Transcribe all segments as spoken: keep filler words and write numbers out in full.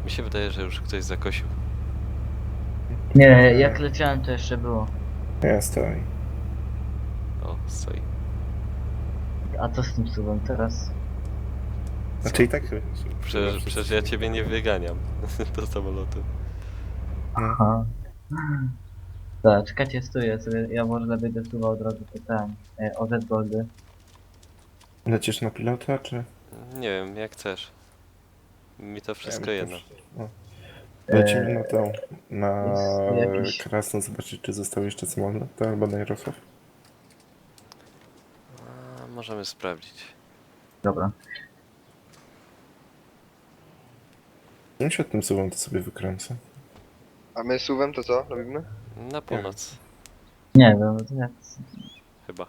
Mi się wydaje, że już ktoś zakosił. Nie, jak leciałem to jeszcze było. Ja stoi. O, stoi. A co z tym suwem teraz? Znaczy i tak... Przecież, przecież ja ciebie nie wyganiam do samolotu. Aha. Tak, czekajcie, stoję sobie, ja może lepiej do suwa od razu pytałem. E, O Z Goldy. Lecisz na pilota, czy... Nie wiem, jak chcesz. Mi to wszystko Ja jedno. też- o. Lecimy na tą, na jest jakiś- Krasno, zobaczyć, czy został jeszcze samolot, albo na Jarosław. A, możemy sprawdzić. Dobra. No się tym słowem to sobie wykręcę. A my suwem to co robimy? Na północ, Nie wiem, to jak... chyba.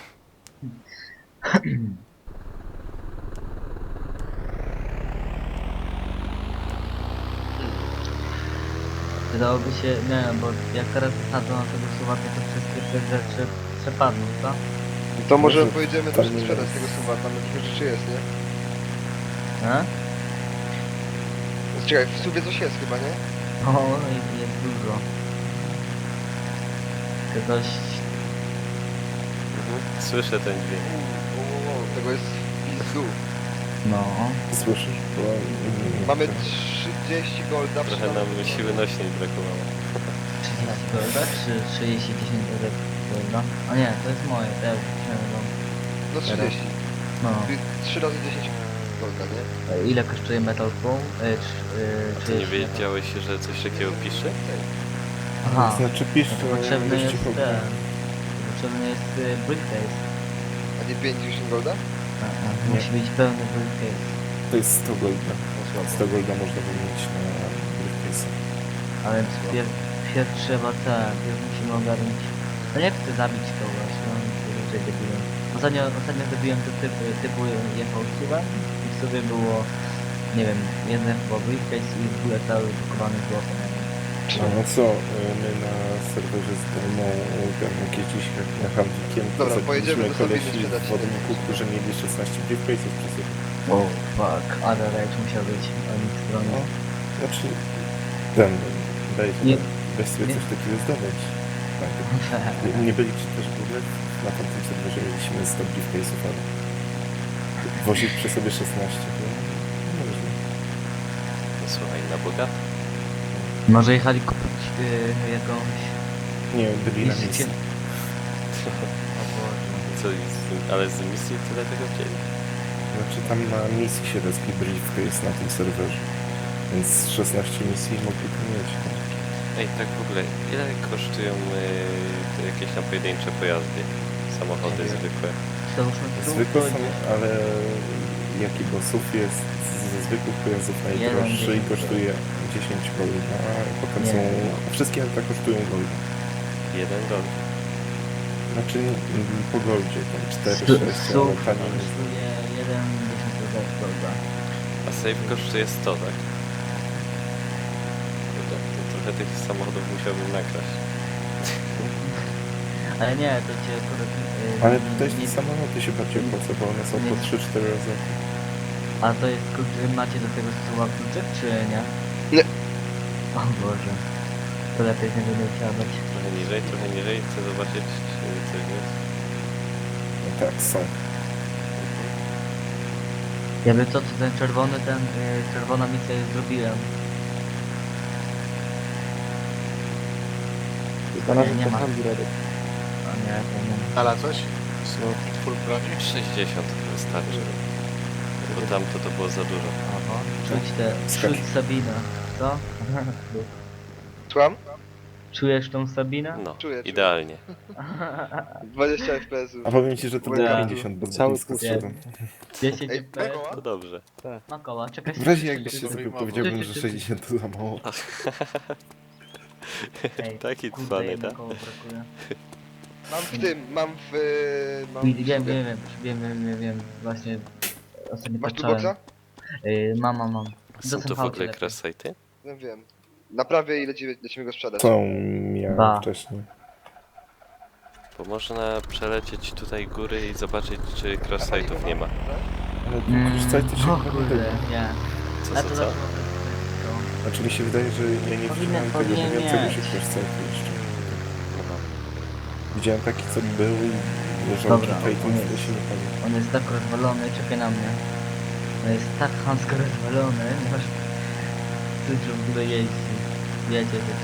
Wydałoby się, nie wiem, bo jak teraz wysadzą na tego suwa, to te wszystkie te rzeczy przepadną, co? No to może Może pojedziemy tam też nie sprzedać jest. tego suwa, tam jakieś rzeczy jest, nie? A? No, czekaj, w suwie coś jest chyba, nie? O, jest, jest dużo. To dość... Mhm. Słyszę ten dźwięk. O, o, o, tego jest pizdu. No. Słyszysz? Bo... mm, Mamy to- trzydzieści golda. Trochę nam siły nośnej brakowało. trzydzieści golda, czy trzydzieści dziesięć golda? A nie, to jest moje, to ja już wziąłem. No trzydzieści. No. Czyli trzy razy dziesięć golda, nie? E, Ile kosztuje Metal Bow? E, czy, e, A ty czy nie wiedziałeś, że coś takiego pisze? Aha. Znaczy pisz, No to to potrzebny dość jest cicho. ten. To potrzebny jest e, briefcase. A nie pięćdziesiąt golda? A, a, musi być pełny briefcase. To jest sto golda. No słabo. sto golda można wymienić na briefcase. Ale pierw, pierw trzeba ten, pierw musimy ogarnąć. No jak chcę zabić to właśnie, on się raczej debilem. Ostatnio, ostatnio zrobiłem to typu, typu jechał suwem i w sobie było, nie wiem, jeden chyba briefcase i w ogóle cały pakowany złotem. No, no co, y, my na serwerze z Demą tam jakieś dziś na handlikiem Dobra, pojedziemy do Sabiny kolesi sprzedać. w wodniku, którzy mieli szesnaście briefcase'ów przy sobie. O, fuck, ale rage musiał być o nich stronie. No, znaczy, ten, daj Nie. weź sobie Nie. coś takiego zdobądź. Tak. Nie, nie byli czy też w ogóle na tamtym serwerze mieliśmy sto briefcase'ów, ale wozić przy sobie szesnaście, to no, można. No słuchaj, na bogato. Może jechali kupić y, jakąś... Nie, byli na Jeździcie- misji. O Boże. Co, z- ale z misji tyle tego wzięli? Znaczy tam na misji się respi briefcase na tym serwerze, więc szesnaście misji mogli to mieć. No. Ej, tak w ogóle, ile kosztują yy, te jakieś tam pojedyncze pojazdy? Samochody Nie wiem. zwykłe. Załóżmy tu, Zwykłe to są, nie- ale jaki bossów jest ze zwykłych pojazdów najdroższy i dziesięć kosztuje dziesięć golda, a potem Nie. są... Wszystkie auta kosztują golda. Jeden gol. Znaczy mm, po goldzie, tam cztery, Stu- sześć, ale Sów taniej jest. kosztuje jeden dziesiąt golda. A safe kosztuje sto, tak? Kurde, to trochę tych samochodów musiałbym nakraść. Ale nie, to cię akurat... y, Ale nie- tutaj nie- te samoloty się bardziej opłaca, bo one są po nie- trzy cztery razy. A to jest kluczy, macie do tego słowa kluczyk, czy nie? Nie. O Boże. To lepiej nie będę wsiadać. Trochę niżej, trochę niżej. Chcę zobaczyć, czy coś jest. No tak, są. Jakby co, to ten czerwony, ten y, czerwona misja jest zrobiłem. Nie, nie ma. A nie, to nie ma. Ale coś? Full broni? sześćdziesiąt wystarczy. Bo tamto to było za dużo. Aha. Czuć te... Skacz. Czuć Sabinę. Co? Słucham? Czujesz tą Sabinę? No, Czuję, czuję. idealnie. dwadzieścia F P S-ów. A powiem ci, że to było Ja. pięćdziesiąt, bo Cały blisko kurs. zszedłem. dziesięć Ej, F P S. koła? To dobrze. Ma koła, czekaj. W razie jakbyś się Dobry zabił, mowa. powiedziałbym, że sześćdziesiąt to za mało. Ej, Taki kurde, cwany, jedno tak? koło brakuje. Mam w tym, mam w... y, Mam Wiem, w wiem, suwie. wiem, wiem, wiem, wiem, wiem, właśnie ostatnio Masz tu patrzałem. boksa? Yy, mam, mam, mam. Są to w ogóle cross site'y? Wiem, wiem. Naprawię i lecimy, lecimy go sprzedać. Co miałem Ba. wcześniej. Bo można przelecieć tutaj góry i zobaczyć, czy cross site'ów nie ma. Ale tu Mm, korzystajcie się o chyba kurde, tego. nie. Co, Ja co, to co? zawsze mam Znaczy mi się wydaje, że ja nie Powinien- widziałem tego powinien mówiącego mieć. się crosscite jeszcze. Widziałem taki, co był i leżał Dobra, tutaj, on to jest. się nie pamiętam. On jest tak rozwalony, czekaj na mnie. On jest tak chamsko rozwalony, nie masz czuć, że w ogóle jeździ. Jedzie, jedzie.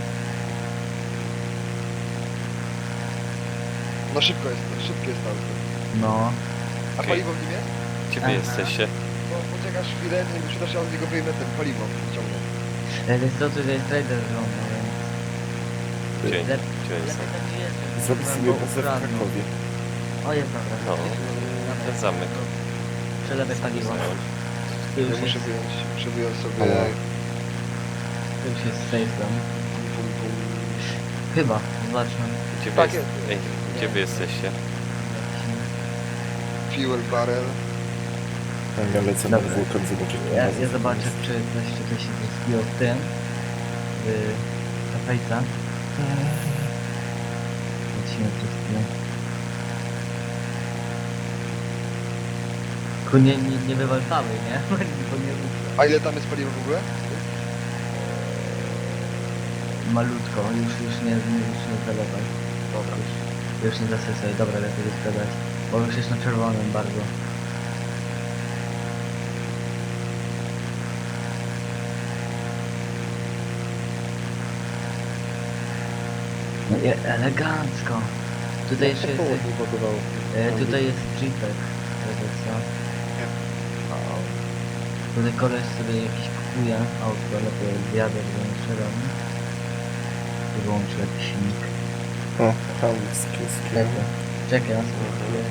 No szybko jest, szybko jest auto. No. A Okej. paliwo w nim jest? Gdzie wy Aha. jesteście? No poczekasz chwilę, nie przydasz, ja od niego wyjmę ten paliwo, ciągnę. E, Wiesz co, tu jest trader żona, więc... Gdzie? Lep- Gdzie oni lepiej są? tak nie jeżdżę, Zrobić bo sobie go bazę w ukradną. Krakowie. O, jest dobra. No, ten zamek. Przelewaj paliwo. Zająć. Tu już Ja muszę jest, wyjąć, muszę wyjąć sobie... Ale- tu już jest safe zone. Pum, pum. Chyba, zobaczmy. Gdzie wy, Tak jest... jest. Ej, gdzie wy jesteście? Fuel barrel. Ja lecę na Dobra. wulkan zobaczyć. tą Ja, bazę, ja co zobaczę, jest. czy coś, czy coś się zbiło w tym. W kafejce. Lecimy przez chwilę. Tylko nie, nie, nie wywalczamy, nie? Bo nie A ile tam jest paliwa w ogóle? malutko, już, już nie, nie, już nie zalewaj. Dobra. Już, już nie zasysuj, dobra, lepiej wysprzedać. Bo już jest na czerwonym bardzo. No i elegancko. Tutaj jeszcze jest, e, tutaj jest jeepek, żeby co? O, tutaj koleś sobie jakiś kupuje auto, lepiej zjadę, żeby nie strzelał. I wyłączy jakiś silnik. O, hamskie Czekaj, czekaj, na spokojnie.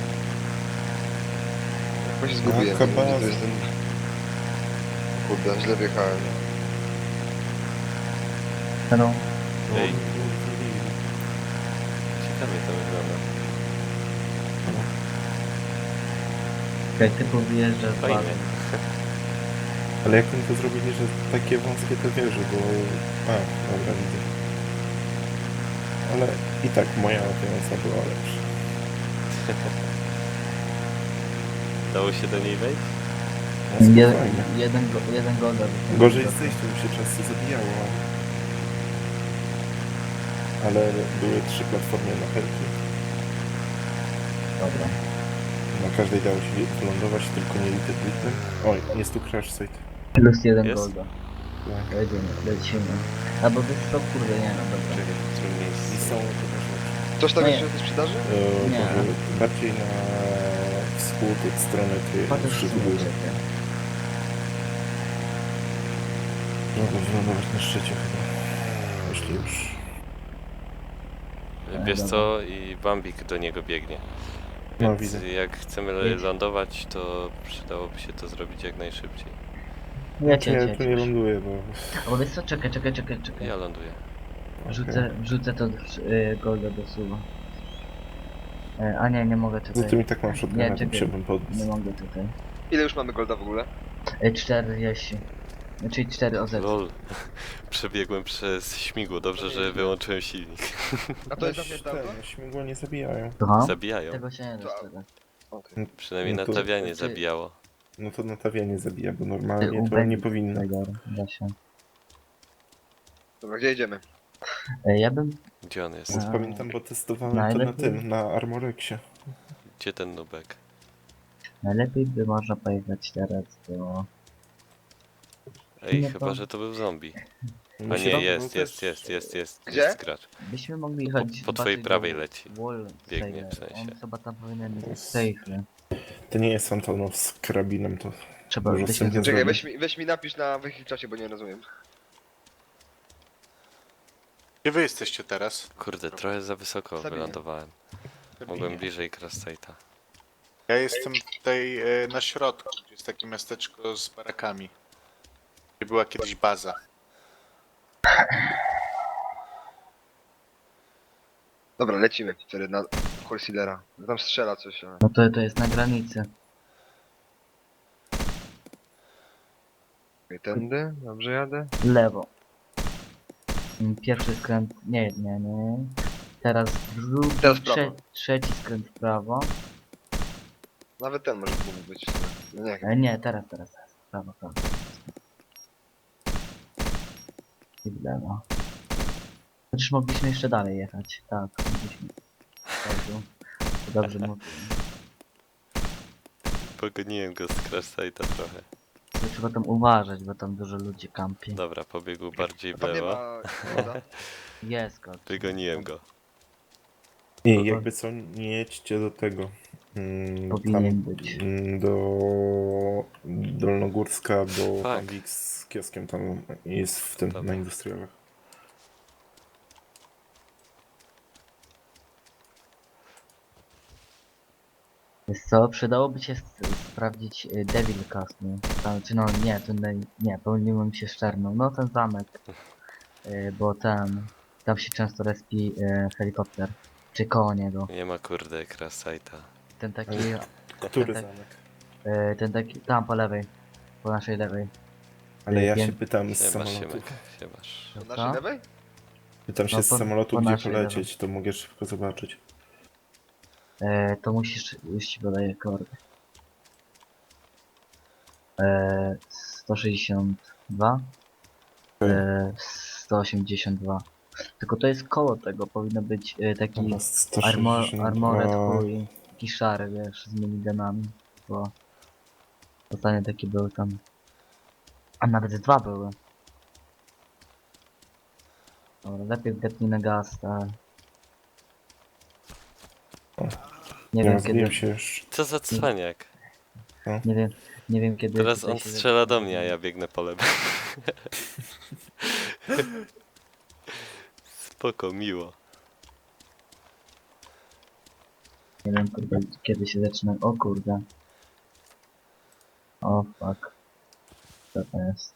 Bo się zgubiłem, Jaka nie wiem, gdzie baza. to jest ten... Kurde, źle wjechałem. No, Ej, ciekawie to wygląda. czekaj, typu wyjeżdża z Fajnie. bazy. Ale jak oni to zrobili, że takie wąskie te wieże, bo... A, dobra, widzę. Ale i tak moja latająca była lepsza. Dało się do niej wejść? No, Jeden, spokojnie. jeden, go, jeden goda. Gorzej z zejściem mi się często zabijało, ale... Ale były trzy platformy na helki. Dobra. Na każdej dało się wylądować, tylko nie lity lity. Oj, jest tu crash site. Plus jeden Jest? golda. Tak. Jedziemy, lecimy. Albo wiesz co, kurde, nie no, dobra. Czekaj, w którym I miejscu? są te rzeczy. Ktoś tam Nie. jeszcze jest do sprzedaży? E, Nie. może bardziej na wschód od strony tej Patrz, trzy co góry. czekaj. Mogę wylądować na szczycie chyba. Jeśli już. Wiesz dobra. co? I Bambik do niego biegnie. No, Więc widzę. jak chcemy Jedź. lądować, to przydałoby się to zrobić jak najszybciej. Ja Czy cię, ja cię, tu nie ląduję, bo... Albo wiesz co, czekaj, czekaj, czekaj, czekaj. Ja ląduję. Wrzucę, wrzucę to y, golda do suwa. E, a nie, nie mogę Za tutaj. tym i tak mam Nie, shotguna, to czekaj. musiałbym Nie podnieść. mogę tutaj. Ile już mamy golda w ogóle? E, czterdzieści. Czyli cztery O Z. Lol. Przebiegłem przez śmigło. Dobrze, że wyłączyłem silnik. A to jest Weź zamknięte auto? ten, śmigło nie zabijają. Słucham? Zabijają. Tego się nie da To- sprzedać. Okej. Przynajmniej No to- natawianie Ty- zabijało. No to natawianie zabija, bo Ty normalnie to ubek- nie powinno. Tego, da się. Dobra, gdzie jedziemy? E, ja bym... Gdzie on jest? Więc A. pamiętam, bo testowałem to na Najlepiej. tym, na Armorexie. Gdzie ten nubek? Najlepiej by można pojechać teraz do... Ej, No chyba, to- że to był zombie. A Myślę, nie, że jest, był jest, też- jest, jest, jest. Gdzie? Jest gracz. Byśmy mogli jechać... Po- po twojej zobaczyć prawej do leci. Wall Biegnie, w Sailor. sensie. On chyba tam powinien być Jest. safe. To nie jest Antonow z karabinem, to... Trzeba Może byśmy... wstępnie Czekaj, zrobić. weź mi, weź mi napisz na wychylczacie, bo nie rozumiem. Gdzie wy jesteście teraz? Kurde, trochę za wysoko Sabinie. wylądowałem. Mogłem bliżej Crosstate'a. Ja jestem tutaj e, na środku, gdzie jest takie miasteczko z barakami. Gdzie była kiedyś baza. Dobra, lecimy wtedy na Horsealera. Tam strzela coś, ale... No to, to jest na granicy. Okej, tędy, dobrze jadę. Lewo. Mm, Pierwszy skręt... Nie, nie, nie. Teraz drugi, Teraz w prawo. trze trzeci skręt w prawo. Nawet ten może mógł być. No nie, E, nie, teraz, teraz, teraz. Prawo, prawo. I w lewo. Przecież mogliśmy jeszcze dalej jechać. Tak, mogliśmy. Dobrze, to dobrze mówię. Pogoniłem go z crash site'a trochę. To trzeba tam uważać, bo tam dużo ludzi kampi. Dobra, pobiegł bardziej A w tam nie lewo. ma koda. Jest kot. Wygoniłem go. Nie, jakby co, nie jedźcie do tego. Mm, Powinien tam, być. mm, do Dolnogórska, bo Fuck. pan Wik z kioskiem tam jest w tym, Dobra. na industrialach. Wiesz co, przydałoby się s- sprawdzić y, Devil Castle. Tam, czy no nie, to nie, nie, pomyliłem się z Czerną. No ten zamek. Y, bo ten, tam się często respi y, helikopter. Czy koło niego. Nie ma kurde crash site'a. Ten taki, Który tak. zamek? y, ten taki, tam po lewej. Po naszej lewej. Ale ja Wiem. się pytam z Siemasz, samolotu. Siemek, siemasz. Po Co? naszej lewej? Pytam się No z po- samolotu, po gdzie naszej polecieć, to mogę szybko zobaczyć. E, to musisz, już ci podaję kordy. E, sto sześćdziesiąt dwa. Okej. E, sto osiemdziesiąt dwa. Tylko to jest koło tego, powinno być e, taki Dobra, armor, sto sześćdziesiąt dwa. armored chuj, taki szary, wiesz, z minigunami, bo ostatnio taki był tam. A nawet dwa były. Dobra, lepiej wdepnij na gaz, tak. O, Nie Nie wiem kiedy, rozbiłem się już. Co za cwaniak. nie wiem, nie wiem kiedy... Teraz tutaj on się strzela do zacznie- mnie, a ja biegnę po lewo. Spoko, miło. Nie wiem kurde, kiedy się zaczyna. O kurde. O fuck. Co to jest?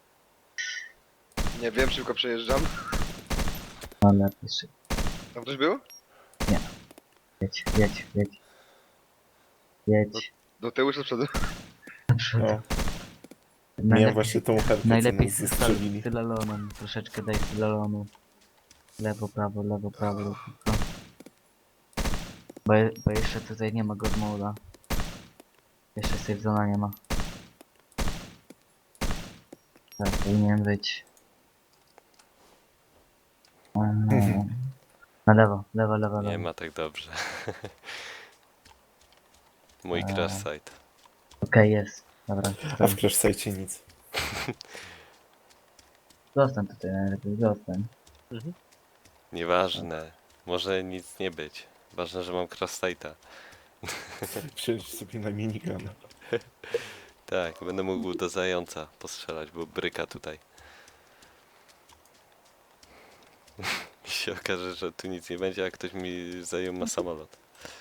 Nie wiem, szybko przejeżdżam. No lepiej szybko. Tam ktoś był? Jedź, jedź, jedź. Jedź. Do tyłu czy do przodu? Naprzód. No, miałem Najlepiej, właśnie tą herkę, co najlepiej nas z zestrzelili. sylalonem. Troszeczkę daj sylalonu. Lewo, prawo, lewo, prawo. Lewo, prawo. Bo, je- bo jeszcze tutaj nie ma god moda. Jeszcze save zona nie ma. Tak, powinien być. Eee, Na lewo, lewo, lewo, Nie lewo. ma tak dobrze. Mój Eee. crash site. Okej, jest. Dobra, A stoi. w crash site nic. Zostań tutaj najlepiej, zostań. Nieważne. Może nic nie być. Ważne, że mam crash site'a. Przejdź sobie na minigun. Tak, będę mógł do zająca postrzelać, bo bryka tutaj. Mi się okaże, że tu nic nie będzie, a ktoś mi zajął na samolot.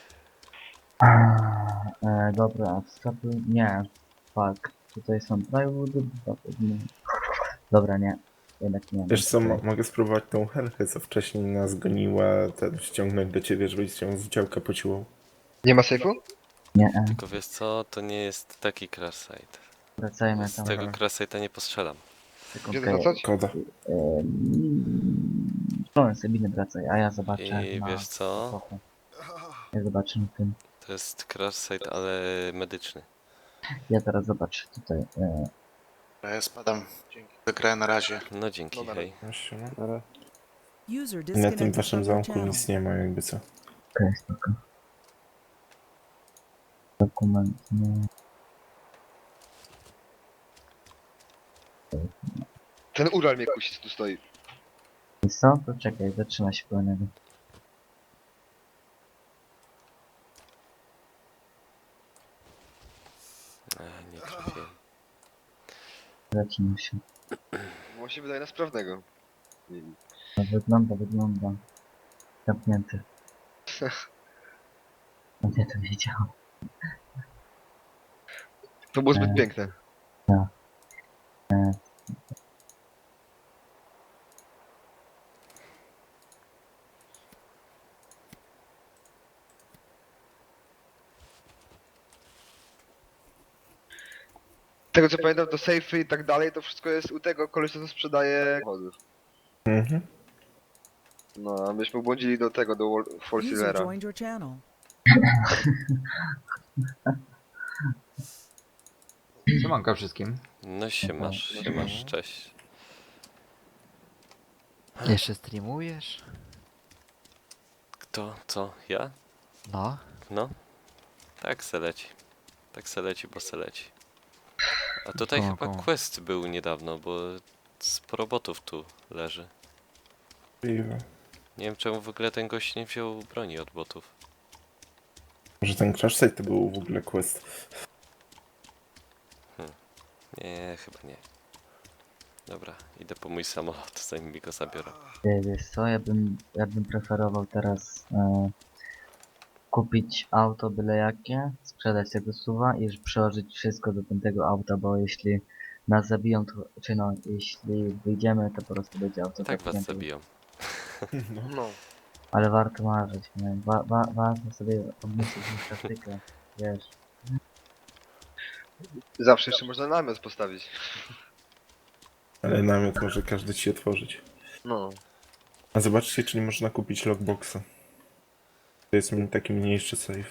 E, dobra, wskakuj. Nie. Fuck. Tutaj są plywoody, dwa pewnie. Dobra, nie. Jednak nie. Wiesz co, Okej. mo- mogę spróbować tą herkę, co wcześniej nas goniła, ten ściągnąć do ciebie, żebyś ją z działka pociłał. Nie ma sejfu? Nie, e, Tylko wiesz co, to nie jest taki crash site. wracajmy Z tam. tego crash site'a nie postrzelam. Gdzie Sekundkę. wracać? Koda. Eee, Sabiny wracaj, a ja zobaczę. I na wiesz co? epokę. Ja zobaczę na tym. To jest crash site, ale medyczny. Ja teraz zobaczę tutaj. E, Dobra, ja spadam. Dzięki za grę na razie. No dzięki, No na hej. Właśnie, no. User Na tym disconnected waszym from your zamku channel. nic nie ma, jakby co. Okej, spoko. Dokument. Nie. Ten Ural mnie kusi, co tu stoi. Wiesz co? To czekaj, zatrzyma się po niego. A, nie trafiłem. Zatrzyma się. Bo on się wydaje na sprawnego. Nie wiem. No, wygląda, wygląda. Zamknięty. No ja to wiedziałem. To było zbyt E. piękne. E, Tego co pamiętam, to sejfy i tak dalej, to wszystko jest u tego kolesia, co sprzedaje samochodów. Mhm. No, a myśmy błądzili do tego, do Wall- Four User Silvera. joined your channel. Siemanka wszystkim. No się masz, się masz, cześć. Jeszcze streamujesz? Kto? Co? Ja? No. No. Tak se leci. Tak se leci, bo se leci. A tutaj Koło, chyba koło. quest był niedawno, bo sporo botów tu leży. Możliwe. Nie wiem czemu w ogóle ten gość nie wziął broni od botów. Może ten crash site to był w ogóle quest. Nie, chyba nie. Dobra, idę po mój samolot, zanim mi go zabiorą. Ty, wiesz co, ja bym, ja bym preferował teraz e, kupić auto byle jakie, sprzedać tego suwa i już przełożyć wszystko do tamtego auta, bo jeśli nas zabiją, to, czy no, jeśli wyjdziemy, to po prostu będzie auto Tak was zamknięte. zabiją. No. No. Ale warto marzyć, nie? Wa, wa, warto sobie obmyślić praktykę, wiesz. Zawsze jeszcze można namiot postawić. Ale namiot może każdy ci otworzyć. No. A zobaczcie, czy nie można kupić lockboxa. To jest mi taki mniejszy safe.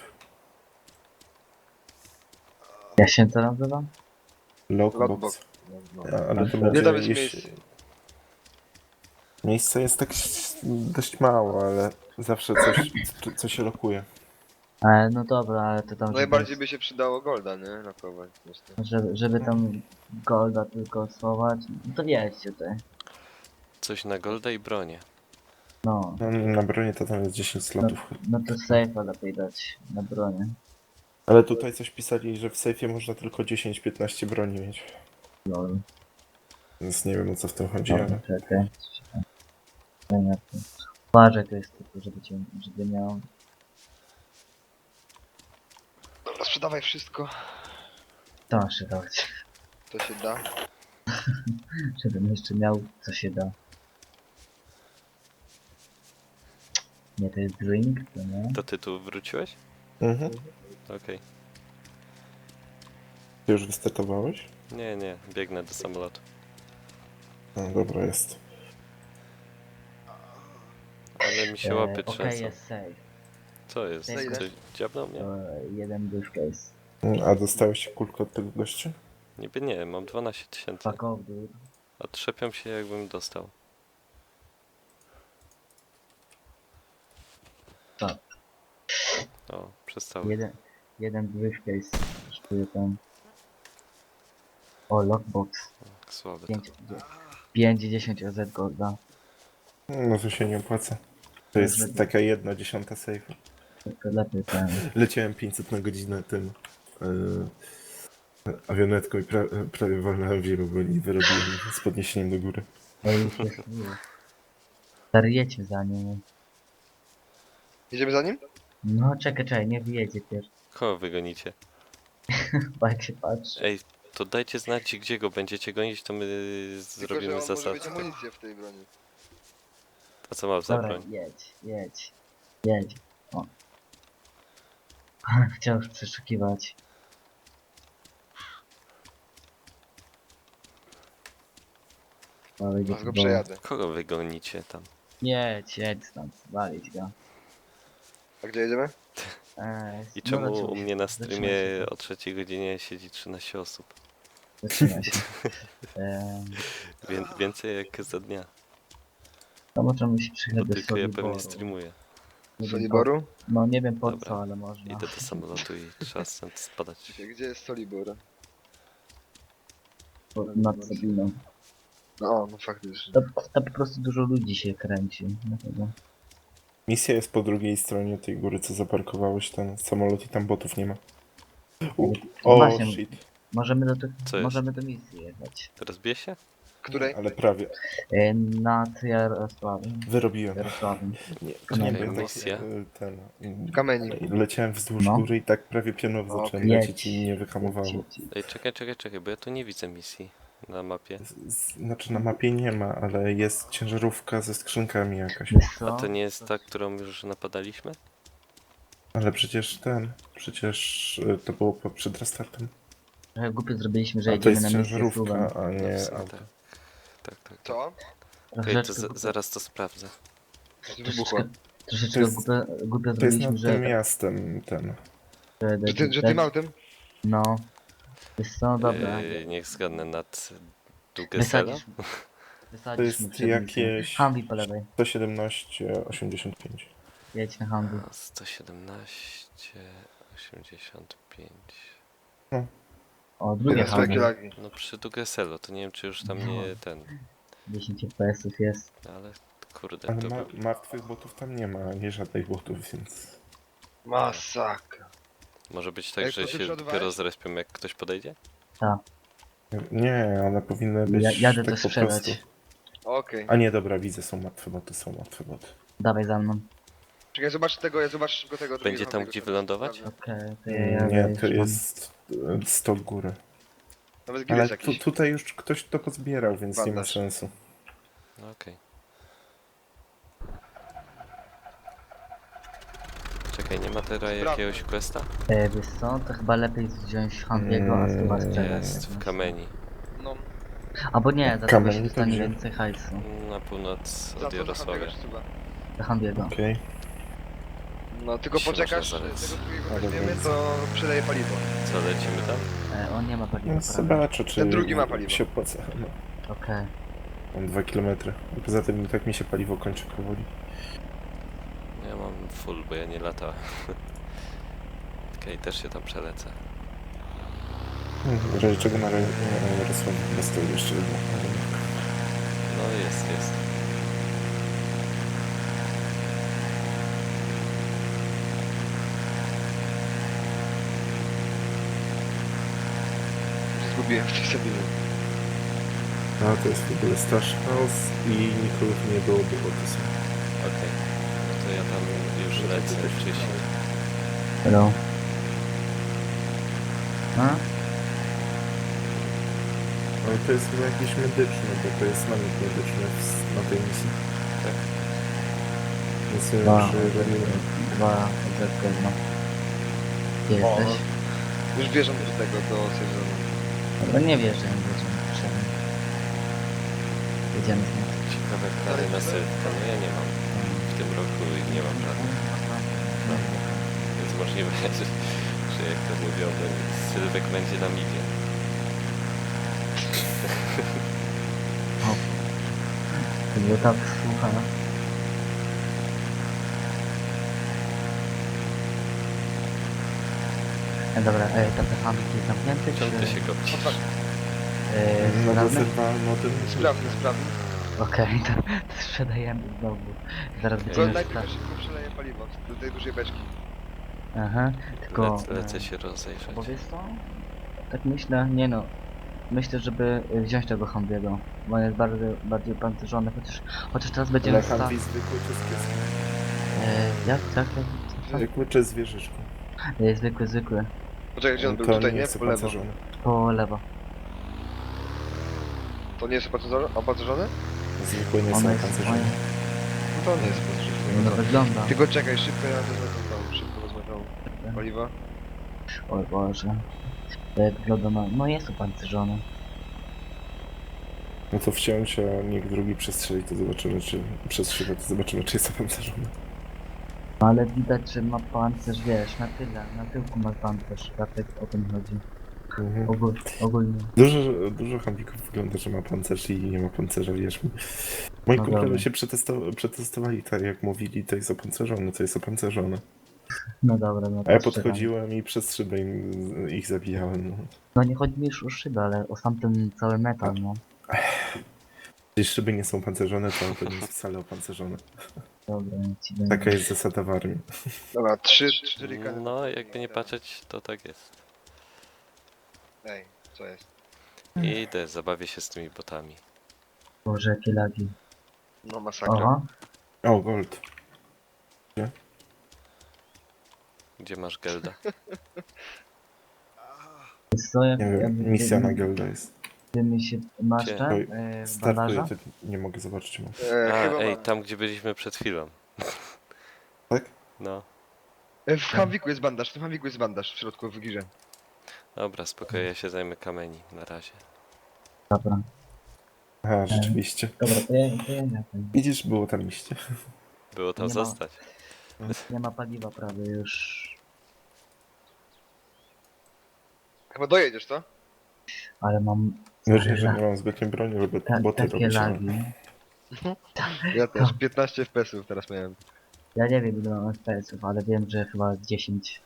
Jak się to nazywa? Lockbox. Lockbox. No. A, ale to Nie będzie tam jest jeśli- miejsce. Miejsce jest tak dość mało, ale zawsze coś, co- coś się lokuje. E, no dobra, ale to tam... Najbardziej żeby, by się przydało Golda, nie? Lokować. Myślę. żeby, żeby tam golda tylko schować, no to wiecie tutaj. Coś na golda i bronię. No, No, na bronię to tam jest dziesięć slotów. no to safe'a lepiej dać na bronię. Ale tutaj coś pisali, że w sejfie można tylko dziesięć piętnaście broni mieć. Lol. Więc nie wiem, o co w tym chodzi, Dobra, ale... czekaj. Czekaj. Uważaj, to jest tylko, żeby cię, żeby miał... Dobra, sprzedawaj wszystko. To masz się dać. To się da. Żebym jeszcze miał, co się da. Nie, to jest drink, to nie. To ty tu wróciłeś? Mhm. Okej. Ty już wystartowałeś? Nie, nie, biegnę do samolotu. No dobra, jest. Ale mi się E, łapy Okej, trzęsą. jest safe. Co jest? Za ile? Coś dziabnął mnie? To jeden briefcase. A dostałeś kulkę od tego gościa? Niby nie, mam dwanaście tysięcy. Fuck off, dude. A trzepią się jakbym dostał. Tak. O, przestały. Jeden, jeden briefcase kosztuje tam. O, lockbox. Słabe to. pięć, dziesięć O Z golda. No to się nie opłaca. To jest taka jedna dziesiąta safe. To, to lepiej ten. Leciałem pięćset na godzinę tym yy, awionetką i pra, prawie walnąłem w ziemię, bo nie wyrobiłem z podniesieniem do góry. Ej, już jest miło. Stary, jedźmy za nim. Idziemy za nim? No, czekaj, czekaj, nie wyjedzie pierwszy. Kogo wygonicie? Chyba jak się patrzy. Ej, to dajcie znać gdzie go będziecie gonić, to my Tylko, zrobimy że on może mieć zasadzkę. amunicję w tej broni. A co mam za Dobra, broń? jedź, jedź, jedź. O. Chciał już przeszukiwać. Ale Zaraz go przejadę. Kogo wygonicie tam? Jedź, jedź stąd, walić go. A gdzie jedziemy? Eee, I no czemu zatrzymaj u się, mnie na zatrzymaj streamie się, o trzeciej godzinie siedzi trzynaście osób? Zatrzymaj się. Eee, Wię więcej jak za dnia. to możemy się przyjechać Bo do tylko ja Soliboru. pewnie streamuję. Nie wiem Soliboru? po- No nie wiem po Dobra. co, ale można. Idę do samolotu i trzeba stąd spadać. Gdzie jest Solibor? Po- Nad Sabiną. No, no faktycznie. To, to po prostu dużo ludzi się kręci. Dlatego. Misja jest po drugiej stronie tej góry, co zaparkowałeś ten samolot i tam botów nie ma. U, o, Właśnie. shit. Możemy do, tych- Co jest? możemy do misji jechać. Teraz bije się? Której? Ale prawie. E, nad Jarosławem. Wyrobiłem. Jarosławem. Nie, Okej, nie byłem misja. tak, y, ten. y, Kamenik. Leciałem wzdłuż No. góry i tak prawie pionowo zacząłem Jedź. lecieć i nie wyhamowało. Jedź, jedź. Ej, czekaj, czekaj, czekaj, bo ja tu nie widzę misji na mapie. Z- z- Znaczy na mapie nie ma, ale jest ciężarówka ze skrzynkami jakaś. Wiesz A co? to nie jest ta, którą już napadaliśmy? Ale przecież ten, przecież y, to było po, przed restartem. Trochę głupio zrobiliśmy, że A to jedziemy jest na misję ciężarówka, suwem. a No, nie w sumie auto. tak. Tak, tak, tak. Co? Okej, to Troszeczkę, za głupio- zaraz to sprawdzę. Wybuchło. troszeczkę, troszeczkę To jest- głupio, głupio To jest zrobiliśmy, nad że... tym miastem ten. że, Że, ty, że tym autem? No. Wiesz co, dobra. Yy, niech zgadnę nad Dugesela? Wysadzisz, To Wysadzisz mi jest przed jakieś Humvee po lewej. sto siedemnaście osiemdziesiąt pięć. Jedź na Humvee. A, sto siedemnaście osiemdziesiąt pięć. O, drugie Teraz jakie Humvee. lagi. No przy Dugeselo, to nie wiem czy już tam nie ten, dziesięć F P S-ów jest. ale kurde, Ale to ma, był... martwych botów tam nie ma, nie żadnych botów, więc... Masakra. Może być tak, Ej, że to ty się przodowałeś? dopiero zrespią jak ktoś podejdzie? Nie, one powinny być Ja, jadę tak to po sprzedać. prostu. Okej. A nie, dobra, widzę, są martwe boty, są martwe boty. Dawaj za mną. Czekaj, zobacz tego, ja zobacz szybko tego Będzie drugiego tam, Humvee'ego, gdzie co wylądować? sprawdzę. Okej, to ja jadę. Nie, to już mam. jest e, sto góry. Nawet Ale gilles tu, jakiś. tutaj już ktoś to pozbierał, więc nie ma Bandaż. sensu. No okej. Czekaj, nie ma teraz jakiegoś questa? E, wiesz co, to chyba lepiej wziąć Humvee'ego, a chyba Mm, sprzedać. Jest, w Kameni. No, Albo nie, za tego Kamen się to dostanie gdzie? więcej hajsu. Na północ za od co za Jarosławia. Humvee'ego czy chyba? Za Humvee'ego. Okej. No, tylko Się poczekasz, można zalec. tego drugiego Ale weźmiemy, więc- to przydaje paliwo. Co, lecimy tam? E, on nie ma paliwa, No, prawie. zobaczę, czy Ten drugi ma paliwo. się opłaca. No, Okej. mam dwa kilometry. Poza tym i tak mi się paliwo kończy powoli. Ja mam full, bo ja nie latałem. Okej, też się tam przelecę. Hmm, W razie czego na Jarosławie chyba stoi jeszcze jedno. No jest, jest. Zgubiłem w tej Sabinie. No to jest w ogóle Stash House i nikogo tu nie było, bo boty są. Okej. No to ja tam już lecę wcześniej. Hello. A? Ale to jest chyba jakiś medyczny, bo to jest namiot medyczny w- na tej misji. Tak. Więc nie Dwa, wiem, czy robimy. dwa, odzetkę, no. Gdzie O, jesteś? Już wjeżdżam do tego, do sezonu. Dobra, nie wierzę, nie wierzę. Potrzebny. Jedziemy stąd. Ciekawe plany na Sylwka. No ja nie mam. W tym roku nie mam żadnych. Więc możliwe, że, że jak to mówią, no, Sylwek będzie nam idzie. To było tak słucha. E, dobra, e, tam te handki jest zamknięte, czy... Czemu ty się kopcisz? E, No bo sprzedamy? dwa model. Sprawny, sprawny. Okej, to, to sprzedajemy znowu. Zaraz Okej. To będziemy najpierw sprawdzać. ja szybko przeleję paliwo do tej dużej beczki. Aha, tylko... Lecę, lecę e, się rozejrzeć. Bo wiesz co? Tak myślę, nie no. Myślę, żeby y, wziąć tego Humvee'ego, bo on jest bardzo, bardziej pancerzony, chociaż, chociaż teraz będziemy Ale sta... handli zwykły czy z pieskiem? E, jak? Tak, tak, tak. Zwykły czy z wieżyczką? E, zwykły, zwykły. Poczekaj, gdzie on był? To Tutaj, nie nie? jest Po lewo. opancerzony. Po lewo. To nie jest opancerzone? Opancerzone? Zwykły nie On są jest... On, opancerzone. No to on nie jest opancerzony. no wygląda. Tylko czekaj, szybko ja wezmę tą tą, szybko wezmę tą paliwa. Oj Boże. Jak wygląda na... No jest opancerzony. No to wciąć, a niech drugi przestrzeli, to zobaczymy, czy przestrzela, to zobaczymy, czy jest opancerzony. No ale widać, że ma pancerz, wiesz, na tyle, na tyłku ma pancerz, dlatego o tym chodzi. Mhm. Ogól, ogólnie. Dużo, dużo hambików wygląda, że ma pancerz i nie ma pancerza, wierz mi. Moi No kumple dobra. się przetesto- przetestowali tak, jak mówili, to jest opancerzone, to jest opancerzone. No dobra, no to A ja strzelam. podchodziłem i przez szybę im, ich zabijałem. No. No nie chodzi mi już o szybę, ale o sam ten cały metal, no. Jeśli szyby nie są pancerzone, to to nie jest wcale opancerzone. Dobra, ja ci będę... Taka jest zasada w armii. Dobra, trzy, cztery kany. No, jakby nie patrzeć, to tak jest. Ej, co jest? Idę, zabawię się z tymi botami. Boże, jakie lagi. No masakra. Aha, O, gold. Gdzie masz Gelda? jest co, jak... Nie jak wiem, misja na Gelda jest. Ty mi się... Masz Gdzie? ten? Oj, E, Startuję, bandaża? to nie mogę zobaczyć, czy mam. E, A, chyba ej, mam. tam gdzie byliśmy przed chwilą. Tak? No, E, w Hamwiku jest bandaż, w tym Hamwiku jest bandaż w środku w girze. dobra, spokojnie, ja się zajmę Kameni na razie. Dobra, Aha, rzeczywiście. dobra, to ja, to ja nie wiem. Widzisz, było tam iście. Było tam Nie ma. zostać. Nie ma paliwa prawie już. Chyba dojedziesz, co? Ale mam Gorzej, że nie mam zbytnio broni, żeby Ta, boty takie robić. ale- lagi. Ja też piętnaście F P S-ów teraz miałem. Ja nie wiem ile mam F P S-ów, ale wiem, że chyba dziesięć.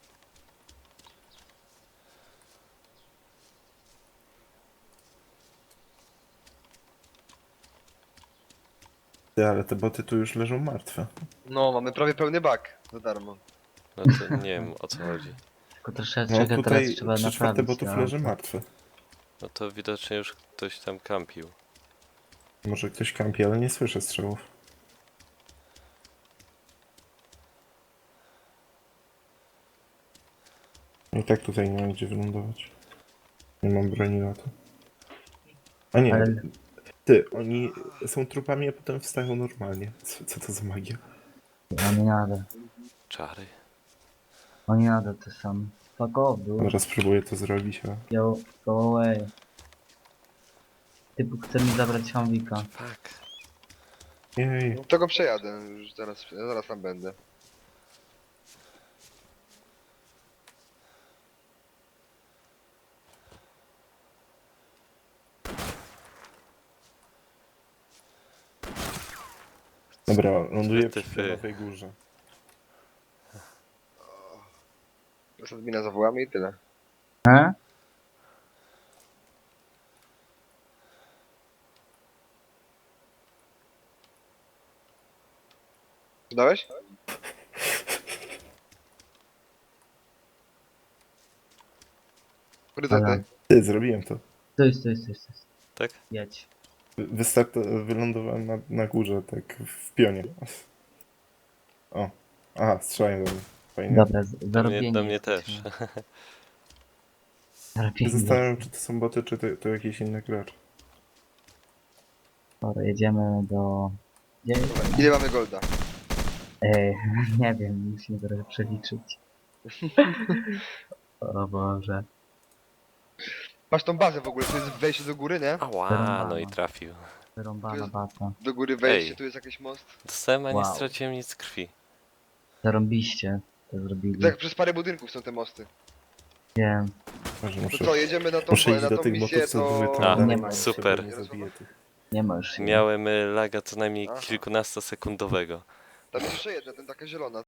Ty, ale te boty tu już leżą martwe. No, mamy prawie pełny bak za darmo. No to nie wiem o co chodzi. Tylko troszeczkę No teraz tutaj trzeba trzy czwarte naprawić. botów to leży auto. martwe. No to widocznie już ktoś tam kampił. Może ktoś kampi, ale nie słyszę strzałów. I tak tutaj nie mam gdzie wylądować. Nie mam broni na to. A nie, Ale- ty, oni są trupami, a potem wstają normalnie. Co, co to za magia? Oni nada. Czary. Oni nada to sam. Fuck off, dude. Zaraz spróbuję to zrobić, a... Yo, go away. Typu chce mi zabrać Hamwika. Fuck. Jej, No, to go przejadę, już zaraz, zaraz tam będę. dobra, ląduję przy Ty. Nowej Górze. Teraz admina zawołamy i tyle. He? Zdałeś? Priorytety. Dobra. Ty, zrobiłem to. Stój, stój, stój, stój. Tak? Jedź. Wystart... Wylądowałem na, na górze, tak w pionie. O, aha, strzelają do mnie. Fajnie. Dobra, z- Do mnie, zarobieni do mnie też. jesteśmy. Ja Zarobieni zastanawiam, jesteśmy. czy to są boty, czy to, to jakiś inny gracz. Dobra, jedziemy do... Gdzie? Ile mamy golda? Ej, nie wiem, musimy trochę przeliczyć. O Boże. Masz tą bazę w ogóle, to jest wejście do góry, nie? Ała, no i trafił. Wyrąbana bata. Do góry wejście, Ej. tu jest jakiś most. Dostałem, a nie Wow. straciłem nic krwi. Zarąbiście to zrobili. Tak, przez parę budynków są te mosty. Wiem. Może To muszę, co, jedziemy na tą, muszę iść na do tą tych misję, botów, co były to... tam A, dalej, nie bo ma. super. Nie zabiję tych. Nie ma już siły. Miałem y, laga co najmniej Aha. kilkunastosekundowego. Tam jest jeszcze jedna, ten taka zielona.